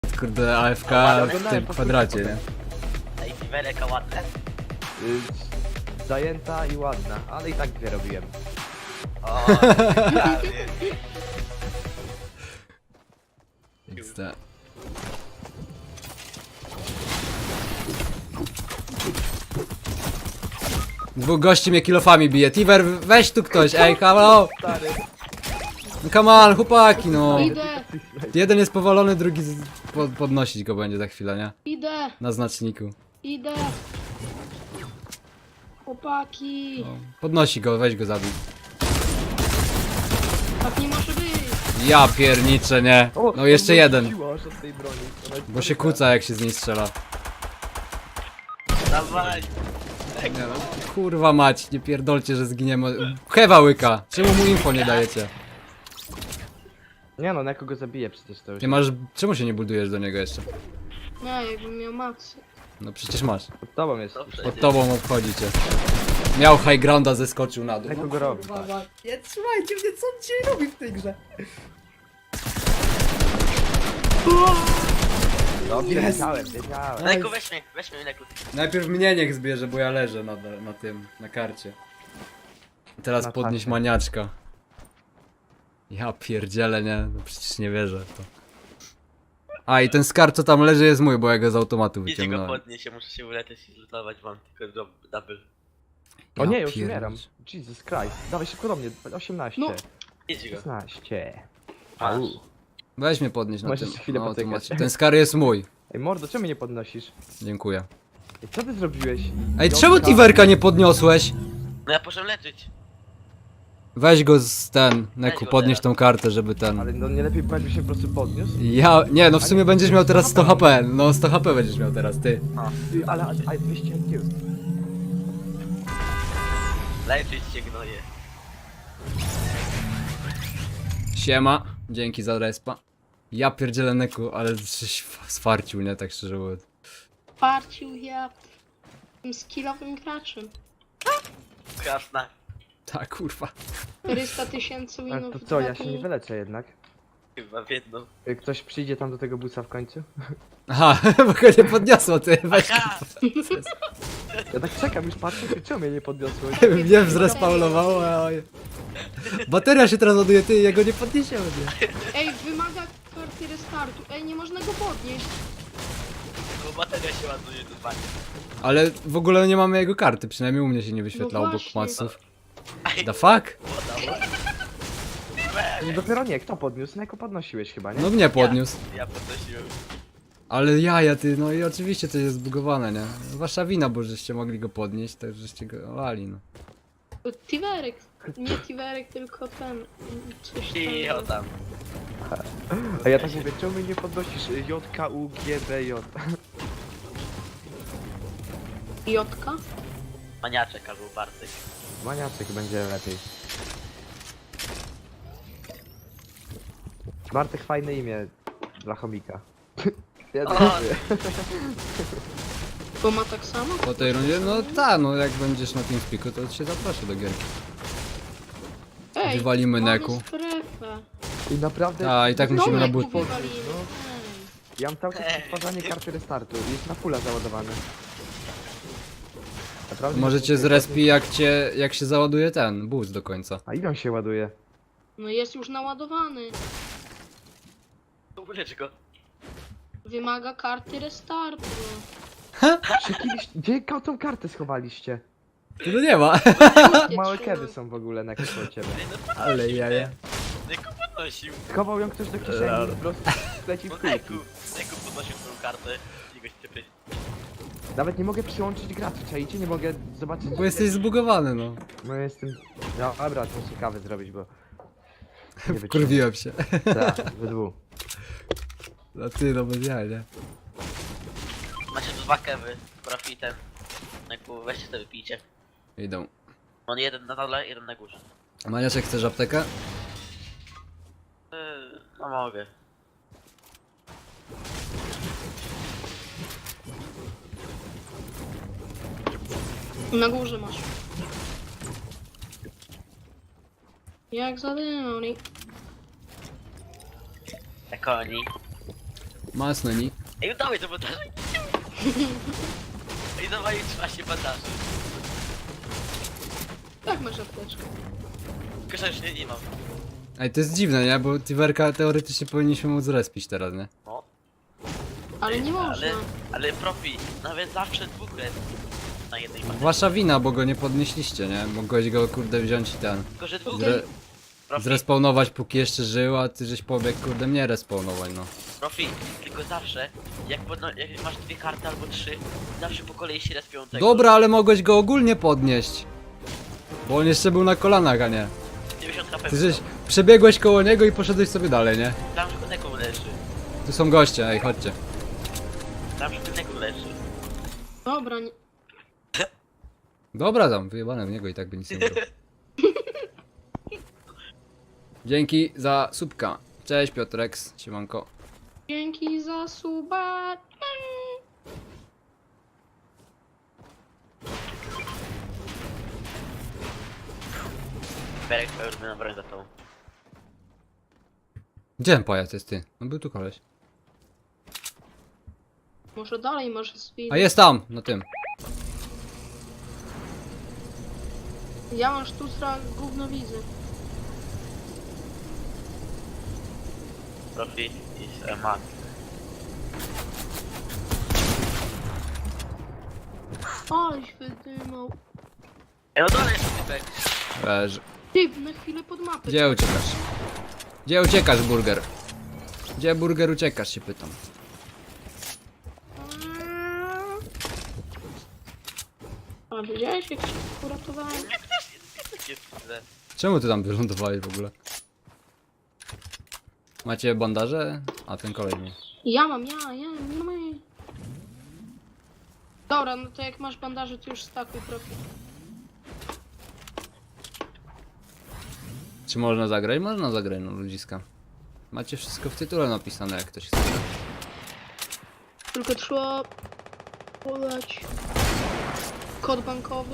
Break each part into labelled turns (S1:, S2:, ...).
S1: Kurde, AFK w tym kwadracie, nie?
S2: Ej, Wereka ładne.
S3: Zajęta i ładna, ale i tak dwie robiłem.
S2: O, prawie.
S1: XD. Dwóch gości mnie kilofami bije. Tiver, weź tu ktoś, ej, halo!
S3: Stary,
S1: No come on, chłopaki, no.
S4: Idę,
S1: Jeden jest powalony, drugi podnosić go będzie za chwilę, nie?
S4: idę,
S1: Na znaczniku.
S4: idę. Chłopaki.
S1: No. Podnosi go, weź go zabij.
S4: Tak nie może być.
S1: Ja pierniczę, nie?
S3: o,
S1: No jeszcze jeden.
S3: odwróciło aż od tej broni. Ona jest
S1: Bo się
S3: dobra.
S1: kłóca jak się z niej strzela.
S2: Dawaj.
S1: Nie, no, kurwa mać, nie pierdolcie, że zginiemy. Hewa łyka, czemu mu info nie dajecie?
S3: Nie no, na kogo zabiję przecież to już.
S1: Nie masz, czemu się nie budujesz do niego jeszcze?
S4: Nie, jakbym miał maksy.
S1: No przecież masz.
S3: Pod tobą jest.
S2: Dobrze.
S1: Pod tobą obchodzi cię. Miał high grounda, zeskoczył na dół.
S3: Na kogo robi?
S1: Nie trzymajcie mnie, co on dzisiaj robi w tej grze?
S3: No,
S1: Jest.
S3: wiedziałem.
S2: Neku, weź mnie, Neku.
S1: Najpierw mnie niech zbierze, bo ja leżę na tym, na karcie. Teraz
S3: Na
S1: podnieś
S3: karcie.
S1: maniaczka. Ja pierdzielę, nie? No przecież nie wierzę w to. A i ten skar co tam leży jest mój, bo ja go z automatu
S2: Idźcie go
S1: wyciągnąłem.
S2: podnieść, ja muszę się uleczyć i zlutować, mam tylko double.
S3: O nie, już
S1: pierniczę.
S3: umieram. Jesus Christ. Dawaj szybko do mnie. 18.
S4: No.
S2: Idź go.
S3: 16.
S2: Masz.
S3: Au.
S1: Weź mnie podnieść na
S3: Możesz
S1: tym.
S3: chwilę
S1: na
S3: potykać.
S1: automacie. Ten skar jest mój.
S3: Ej mordo, czemu mnie nie podnosisz?
S1: Dziękuję.
S3: Ej, co ty zrobiłeś?
S1: Ej, czemu Tiverka nie podniosłeś?
S2: No ja poszedłem leczyć.
S1: Weź go z ten,
S2: Weź
S1: Neku,
S2: go
S1: podnieś
S2: teraz.
S1: tą kartę, żeby ten...
S3: Ale no nie lepiej, bo jakby się po prostu podniósł?
S1: Ja... Nie, no w sumie będziesz miał teraz 100 HP. No 100 HP będziesz miał teraz, ty.
S3: Ty, ale 200 IQ.
S2: Leczyć się gnoje.
S1: Siema, dzięki za respa. Ja pierdzielę Neku, ale żeś sfarcił, nie? Tak szczerze mówiąc.
S4: Parcił ja tym skillowym graczem.
S2: Krasna.
S1: Tak, kurwa.
S4: 400 000
S3: Ale
S4: winów
S3: to
S4: w
S3: co,
S4: dwa
S3: ja się
S4: dni.
S3: nie wyleczę jednak.
S2: Chyba w jedną.
S3: Ktoś przyjdzie tam do tego busa w końcu?
S1: Aha, bo go nie podniosło, ty. Weź
S2: Aha!
S3: Ja tak czekam, już patrzę, ty czemu mnie nie podniosłeś?
S1: mnie zrespawnowało, a... Bateria się teraz ładuje, ty, ja go nie podniesiemy, nie?
S4: Ej, wymaga karty restartu. Ej, nie można go podnieść.
S2: Bo bateria się ładuje do dzwoni.
S1: Ale w ogóle nie mamy jego karty, przynajmniej u mnie się nie wyświetla
S4: No
S1: obok
S4: właśnie.
S1: maców. The fuck?
S3: No dopiero nie, kto podniósł? Neko podnosiłeś chyba, nie?
S1: No mnie podniósł.
S2: Ja podnosiłem.
S1: Ale jaja, ty, no i oczywiście to jest zbugowane, nie? Wasza wina, bo żeście mogli go podnieść, to żeście go lali, no.
S4: Tiverek. Nie Tiverek, tylko ten. Coś
S2: I o tam.
S3: A ja tak mówię, czemu mnie nie podnosisz? JKUGBJ.
S4: Jotka.
S2: Maniaczek albo Bartek.
S3: Maniaczek będzie lepiej. Bartek fajne imię dla chomika. Ja
S2: O!
S3: dziękuję.
S4: Bo ma tak samo?
S1: Po tej rundzie, no tak, no jak będziesz na TeamSpeaku, to cię zaproszę do gierki.
S4: Ej,
S1: Wywalimy
S4: mamy
S1: Neku.
S4: strefę.
S3: I naprawdę...
S1: A, i tak
S4: No,
S1: musimy na
S4: Neku
S1: but.
S4: wywalimy.
S3: No. Ja mam cały czas odtwarzanie karty restartu. Jest na fulla załadowany. Naprawdę
S1: Możecie z respi jak się załaduje ten boost do końca.
S3: A ile on się ładuje?
S4: No jest już naładowany.
S2: Ulecz go.
S4: Wymaga karty restartu.
S3: Gdzie tą kartę schowaliście?
S1: No nie ma.
S4: Ty
S3: Małe
S4: trzymaj.
S3: kiedy są w ogóle na koło ciebie.
S1: Ale jaja.
S2: Neku podnosił.
S3: Schował ją ktoś do kieszeni i po prostu leci w
S2: No
S3: kulki.
S2: Neku podnosił swoją kartę. I go ściepy.
S3: Nawet nie mogę przyłączyć graczy, czajcie? Nie mogę zobaczyć...
S1: Bo jesteś zbugowany, no.
S3: No jestem... No dobra, to muszę kawę zrobić, bo... Nie wytrzymam.
S1: Kurwiłem się.
S3: Tak, we dwóch.
S1: No ty, no bez jaj, nie?
S2: Macie tu dwa kewy z profitem. Neku, weźcie sobie pijcie.
S1: Idą.
S2: On jeden na dole, jeden na górze.
S1: Maniaczek, chcesz aptekę?
S2: No mogę.
S4: Na górze masz. Jak zadymał, nie?
S2: Jak oni.
S1: Masno ni.
S2: Ej, dawaj to bandaże. Ej, dawaj 13 bandaży.
S4: Tak masz apteczkę.
S2: Tylko że już nie mam.
S1: Ej, to jest dziwne, nie? Bo Tiverka teoretycznie powinniśmy móc respić teraz, nie?
S2: No.
S4: Ale nie można.
S2: Ale profi, nawet zawsze dwóch jest na jednej bandaży.
S1: Wasza wina, bo go nie podnieśliście, nie? Mogłeś go kurde wziąć i ten.
S2: Tylko że dwóch
S1: Zre
S2: jest. Profi,
S1: zrespawnować póki jeszcze żył, a ty żeś pobiegł kurde mnie respawnować, no.
S2: profi, tylko zawsze, jak masz 2 karty albo 3, zawsze po kolei się respią tego.
S1: Dobra, ale mogłeś go ogólnie podnieść. Bo on jeszcze był na kolanach, a nie.
S2: 90 HP.
S1: Ty żeś przebiegłeś koło niego i poszedłeś sobie dalej, nie?
S2: Tam, że koneką leży.
S1: Tu są goście, ej, chodźcie.
S2: Tam, że koneką leży.
S4: Dobra, nie...
S1: Dobra tam, wyjebane w niego i tak by nic nie było. Dzięki za subka. Cześć Piotreks, siemanko.
S4: Dzięki za suba.
S2: Berek, twoja ulubiona broń za tą.
S1: Gdzie ten pajac jest ty? No był tu koleś.
S4: Może dalej masz swój.
S1: A jest tam, na tym.
S4: Ja mam sztucra gówno widzę.
S2: Profi is a man.
S4: Aleś wydymał.
S2: Ej, no dole jest typek.
S1: Leży.
S4: Ty, na chwilę pod mapę.
S1: Gdzie uciekasz? Gdzie uciekasz, burger? Gdzie burger uciekasz, się pytam.
S4: A widziałeś jak się uratowałem?
S2: Jest źle.
S1: Czemu ty tam wylądowałeś w ogóle? Macie bandaże? A ten kolej nie.
S4: Ja mam. Dobra, no to jak masz bandaże, to już stakuj profil.
S1: Czy można zagrać? Można zagrać, no ludziska. Macie wszystko w tytule napisane, jak ktoś chce.
S4: Tylko trzeba podać kod bankowy.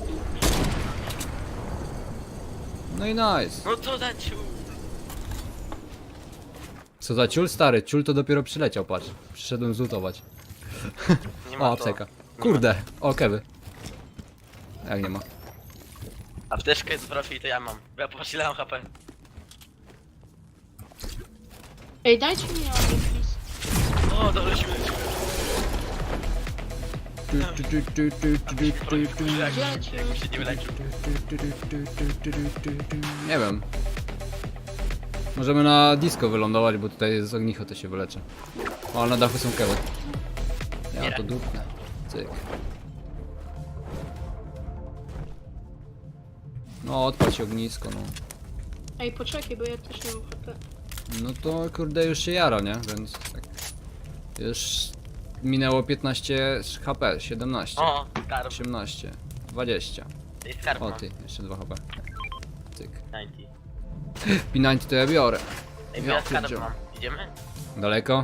S1: No i nice.
S2: No co za ciu.
S1: Co za ciul stary? Ciul to dopiero przyleciał, patrz. Przyszedłem zlutować.
S2: Nie
S1: O,
S2: ma to.
S1: apteka. Kurde, o kewy. Jak nie ma.
S2: Apteczkę z profi to ja mam. Bo ja posilałem HP.
S4: Ej, dajcie mi adres.
S2: O, dolecimy. Jakby się nie wyleczył.
S1: Nie wiem. Możemy na disco wylądować, bo tutaj z ognicho to się wyleczy. O, na dachu są kewy. Ja to dupnę. Cyk. No, odpal się ognisko, no.
S4: Ej, poczekaj, bo ja też nie mam HP.
S1: No to kurde już się jara, nie? Więc tak. Już minęło 15 HP, 17,
S2: O, skarb.
S1: 18, 20.
S2: To jest skarb
S1: O
S2: mam.
S1: ty, jeszcze 2 HP. Cyk.
S2: 90.
S1: P90 to ja biorę.
S2: Ej,
S1: Ja
S2: ja skarb
S1: pierdzielę.
S2: mam. Idziemy?
S1: Daleko?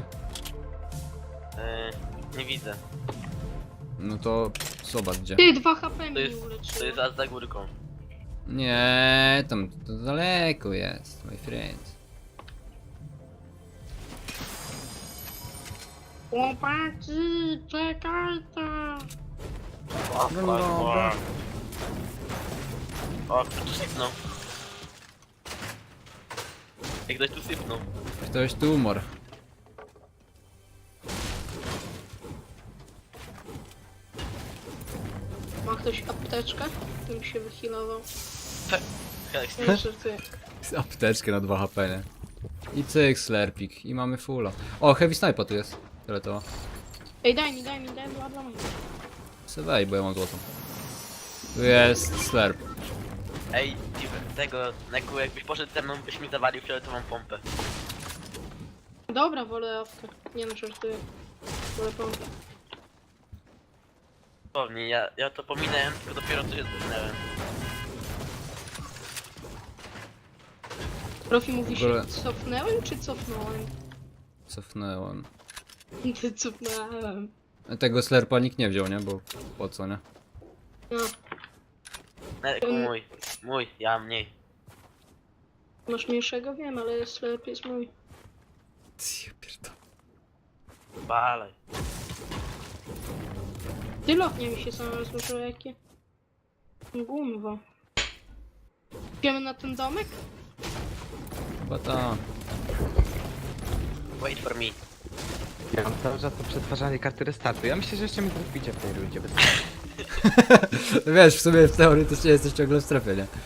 S2: Nie widzę.
S1: No to zobacz gdzie.
S4: Ty, 2 HP
S2: To
S4: mi
S2: jest,
S4: nie
S2: to
S4: uleczyło.
S2: jest aż za górką.
S1: Nie, tam to daleko jest, my friend.
S4: Chłopaki, czekajcie.
S2: O,
S1: No dobra.
S2: O, kto tu sypnął? Jak ktoś tu sypnął.
S1: Ktoś tu umarł.
S4: Ma ktoś apteczkę? Bym się wyhealował.
S2: Jak
S4: Nie żartuję.
S1: Z apteczkę na 2 HP, nie? I cyk, slerpik. I mamy fulla. O, heavy sniper tu jest. Tyle to.
S4: Ej, daj mi, bla bla.
S1: Se wej, bo ja mam złotą. Tu jest slerp.
S2: Ej, tego, Neku, jakbyś poszedł ze mną, byś mi zawalił fioletową pompę.
S4: Dobra, wolę awkę. Nie no, żartuję. Wolę pompę.
S2: Pewnie, ja to pominąłem, tylko dopiero co się zginąłem.
S4: Profi mówi
S1: W ogóle-
S4: się cofnęłem czy cofnąłem?
S1: Cofnęłem.
S4: Ty cofnąłem.
S1: Tego slerpa nikt nie wziął, nie? Bo po co, nie?
S4: No,
S2: Neku, mój, ja mniej.
S4: masz mniejszego? Wiem, ale jest lepiej jest mój.
S1: Ja pierdolę.
S2: Balej.
S4: Ty lotnie mi się sam rozłożyło jakie. Gumwa. Idziemy na ten domek?
S1: Chyba ta.
S2: Wait for me.
S3: Ja mam cały czas to przetwarzanie karty restartu. Ja myślę, że jeszcze mnie traficie w tej rundzie. Bez...
S1: Wiesz, w sumie w teorii to jesteś ciągle w strefie, nie?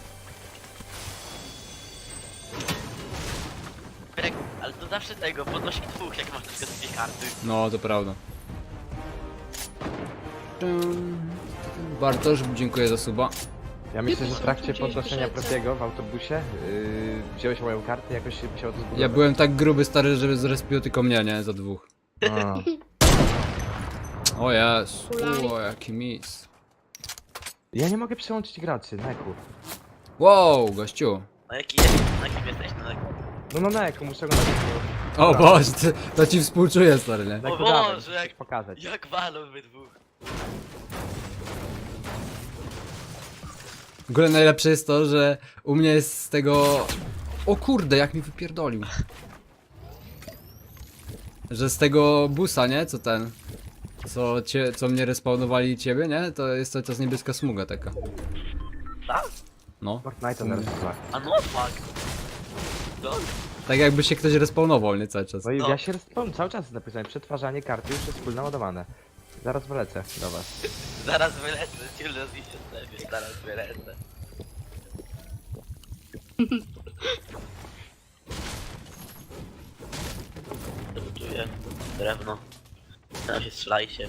S2: Pyrek, ale to zawsze tego, podnosi dwóch, jak masz na przykład dwie karty.
S1: No, to prawda. Bartosz, dziękuję za suba.
S3: Ja myślę, że w trakcie
S4: Gdzieś
S3: podnoszenia
S4: wyszedł.
S3: Profiego w autobusie wziąłeś moją kartę, jakoś się musiało to zbudować.
S1: Ja byłem tak gruby, stary, że zrespił tylko mnie, nie? Za dwóch.
S3: A.
S1: O jest,
S4: Kulali.
S1: o jaki mis.
S3: Ja nie mogę przełączyć graczy, Neku.
S1: Wow, gościu.
S2: Na jaki jest? Na jakim jesteś? Na jakim?
S3: No Neku, muszę go na
S1: O Boże, to ci współczuję, stary, nie?
S3: Neku,
S2: O
S3: dawaj,
S2: Boże,
S3: muszę
S2: jak-
S3: coś pokazać.
S2: Jak walą wy dwóch?
S1: W ogóle najlepsze jest to, że u mnie jest z tego... O kurde, jak mi wypierdolił. Że z tego busa, nie? Co ten... Co mnie respawnowali ciebie, nie? To jest cały czas niebieska smuga taka.
S2: Tak?
S1: No.
S3: Fortnite narysowałem.
S2: A no fuck. No,
S1: Tak jakby się ktoś respawnował, nie? Cały czas.
S3: No i
S2: No.
S3: ja się cały czas napisałem, przetwarzanie karty już jest wspólnie ładowane. Zaraz wlecę do was.
S2: zaraz wylecę, cię rozliczę sobie, zaraz wylecę. Czuję drewno. Teraz się strzelajcie.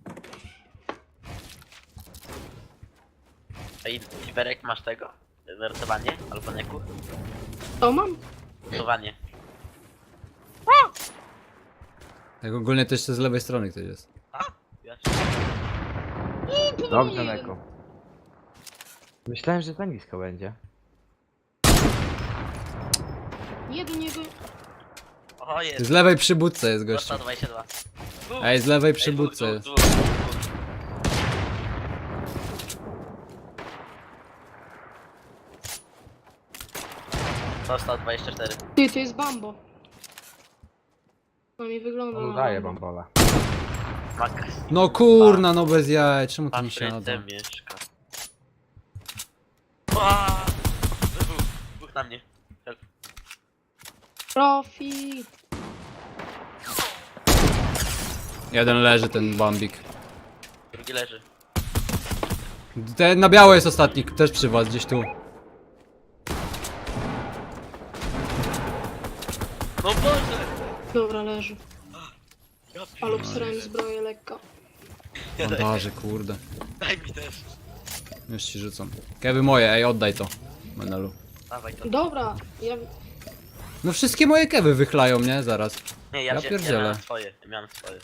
S2: A i Tiberek masz tego? Wertowanie? Albo neku?
S4: To mam?
S2: Wertowanie.
S1: Tak ogólnie to jeszcze z lewej strony ktoś jest.
S2: Ja się...
S3: Dobrze, Neku. Myślałem, że za nisko będzie.
S4: Nie do niego.
S2: O jest!
S1: Z lewej przy budce jest gościu.
S2: Dostał 22.
S1: Ej, z lewej
S2: Ej,
S1: przy budce jest.
S2: dwóch. Dostał 24.
S4: Ty, to jest Bambo. To mi wygląda
S3: On
S4: na
S3: daje
S4: Bambo.
S3: bambola.
S2: Max.
S1: No kurna, no bez jaj, czemu to mi się nada?
S2: Patryce mieszka. Aaaa! Dwóch na mnie. Help.
S4: Profi.
S1: Jeden leży, ten bambik.
S2: Drugi leży.
S1: Ten na biało jest ostatni, też przy was, gdzieś tu.
S2: No Boże!
S4: Dobra, leży.
S2: Ja
S4: Ale obsrałem zbroję lekko.
S1: Bandaże, kurde.
S2: Daj mi też.
S1: Już ci rzucam. Kewy moje, ej, oddaj to. Menelu.
S2: Dawaj to.
S4: Dobra, ja...
S1: No wszystkie moje kewy wychlają, nie? Zaraz.
S2: Nie,
S1: Ja
S2: ja
S1: pierdzielę.
S2: miałem swoje. Ja miałem swoje.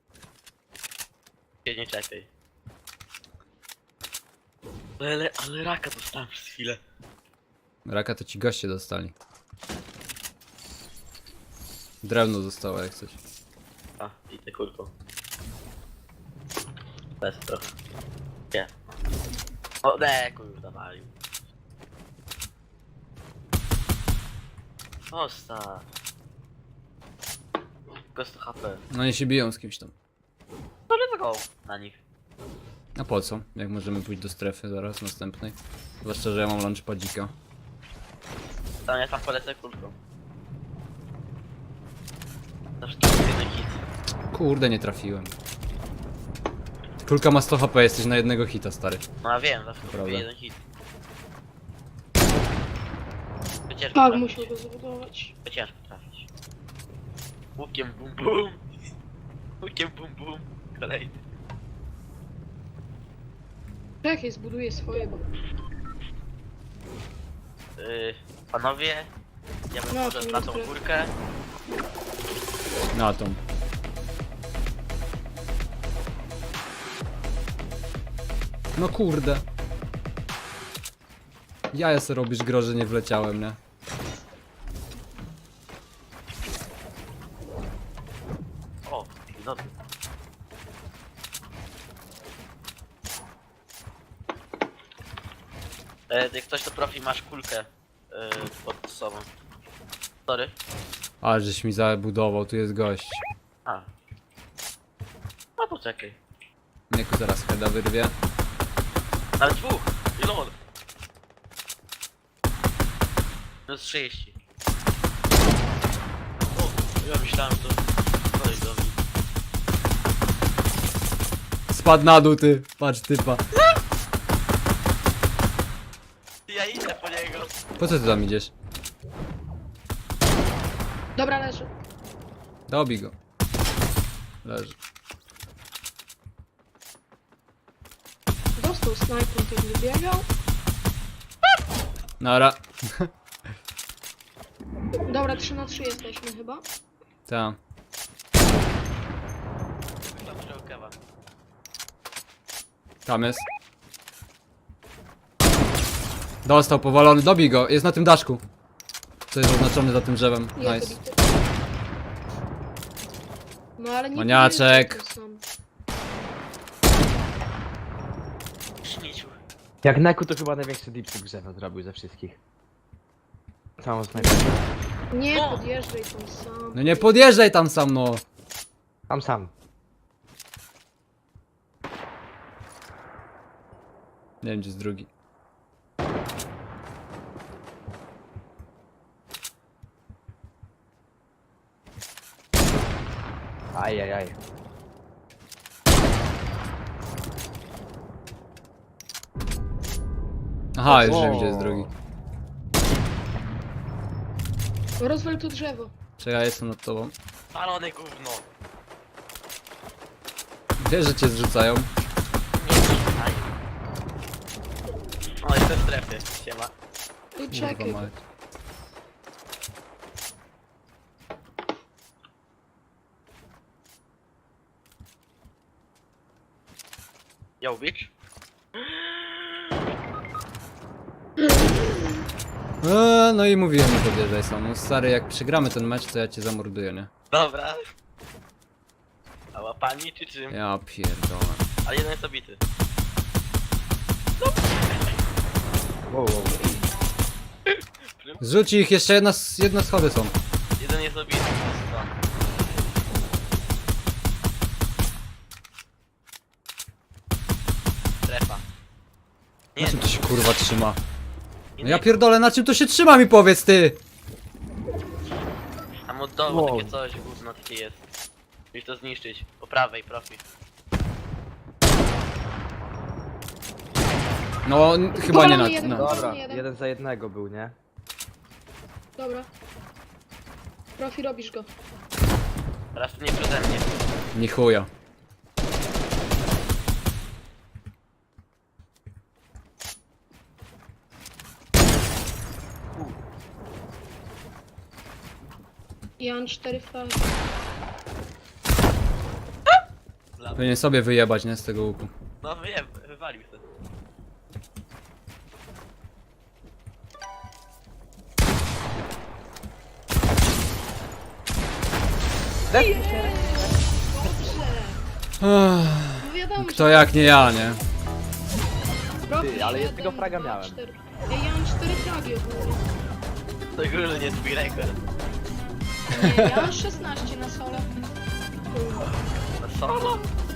S2: Się nie czepiaj. Ale raka dostałem przez chwilę.
S1: Raka to ci goście dostali. Drewno zostało jak coś.
S2: A, i tę kulką. Bez trochę. Nie. O, ne, już zawalił. Osta. Tylko 100 HP.
S1: No nie się biją z kimś tam.
S2: No let's go na nich.
S1: A po co? Jak możemy pójść do strefy zaraz następnej? Zwłaszcza, że ja mam lunchpadzika.
S2: Tam ja tam polecę kulką. Zawsze to jest jeden hit.
S1: Kurde, nie trafiłem. Kulka ma 100 HP, jesteś na jednego hita, stary.
S2: No ja wiem, zawsze to
S1: Prawda.
S2: jest jeden hit. To ciężko
S4: Tak,
S2: trafić.
S4: musiał go zbudować.
S2: To ciężko trafić. Łukiem bum bum. Łukiem bum bum. Kolejny.
S4: Czekaj, zbuduję swoje, bo...
S2: Panowie, ja bym
S4: No,
S2: poszedł
S4: to
S2: na
S4: nie
S2: tą
S4: stref.
S2: górkę.
S1: Na tą. No kurde. Jaja se robisz gro, że nie wleciałem, nie?
S2: O, no. Jak ktoś to profi, masz kulkę pod sobą. Sorry.
S1: Ale żeś mi zabudował, tu jest gość.
S2: A, No poczekaj.
S1: Nieku zaraz heada wyrwie.
S2: Ale dwóch! I lol. Minus 30. O, ja myślałem, że to kolej do mnie.
S1: Spadł na dół, ty. Patrz, typa.
S2: Ja idę po niego.
S1: Po co ty tam idziesz?
S4: Dobra, leży.
S1: Dobij go. Leży.
S4: Dostał snajpą, kiedy biegał.
S1: Nara.
S4: Dobra, 3 na 3 jesteśmy chyba.
S1: Tam.
S2: Tam przyjął kewa.
S1: Tam jest. Dostał powalony, dobij go, jest na tym daszku. Co jest oznaczone za tym drzewem.
S4: Jest
S1: Nice.
S4: dobity. No ale nie
S1: Maniaczek.
S4: powiedział, że sam.
S2: Śmieciu.
S3: Jak Neku to chyba największy dipsy w grze zrobił ze wszystkich. Całą snajperkę.
S4: Nie
S2: No.
S4: podjeżdżaj tam sam.
S1: No nie podjeżdżaj tam sam, no.
S3: Sam.
S1: Nie wiem, gdzie jest drugi.
S3: Ajajaj.
S1: Aha, już wiem, gdzie jest drugi.
S4: Rozwal to drzewo.
S1: Czekaj, jestem nad tobą.
S2: Palone gówno.
S1: Wiesz, że cię zrzucają.
S2: Nie słuchaj. O, jestem w strefie. Siema.
S4: I czekaj.
S1: Kurwa mać.
S2: Yo, bitch.
S1: No i mówiłem, nie podjeżdżaj sam. No stary, jak przegramy ten mecz, to ja cię zamorduję, nie?
S2: Dobra. A łapani czy czym?
S1: Ja pierdolę.
S2: Ale jeden jest obity.
S3: Wow.
S1: Zrzuć ich, jeszcze jedne schody są.
S2: Jeden jest obity. No. Strefa. Nie,
S1: Na czym to się kurwa trzyma?
S2: nie,
S1: No ja pierdolę, na czym to się trzyma, mi powiedz ty!
S2: tam od dołu
S3: Wow.
S2: takie coś, gówno takie jest. Musisz to zniszczyć. Po prawej, profi.
S1: No, chyba nie
S4: Powalony jeden.
S1: na...
S3: Dobra,
S4: Jeden.
S3: 1 za 1 był, nie?
S4: Dobra. Profi, robisz go.
S2: Teraz to nie przeze mnie.
S1: Ni chuja.
S4: Jan 4 flagi.
S1: Powinien sobie wyjebać, nie? Z tego łuku.
S2: No wiem, wywalił to.
S4: No wiadomo,
S1: Kto jak nie ja, nie?
S4: Profi,
S3: Ty, ale
S4: 7,
S3: jednego fraga
S4: 2,
S3: miałem.
S4: 4. Ej, ja mam 4 flagi ogólnie.
S2: To ogólnie twój rekord.
S4: Nie, ja mam 16 na solo.
S2: Na solo?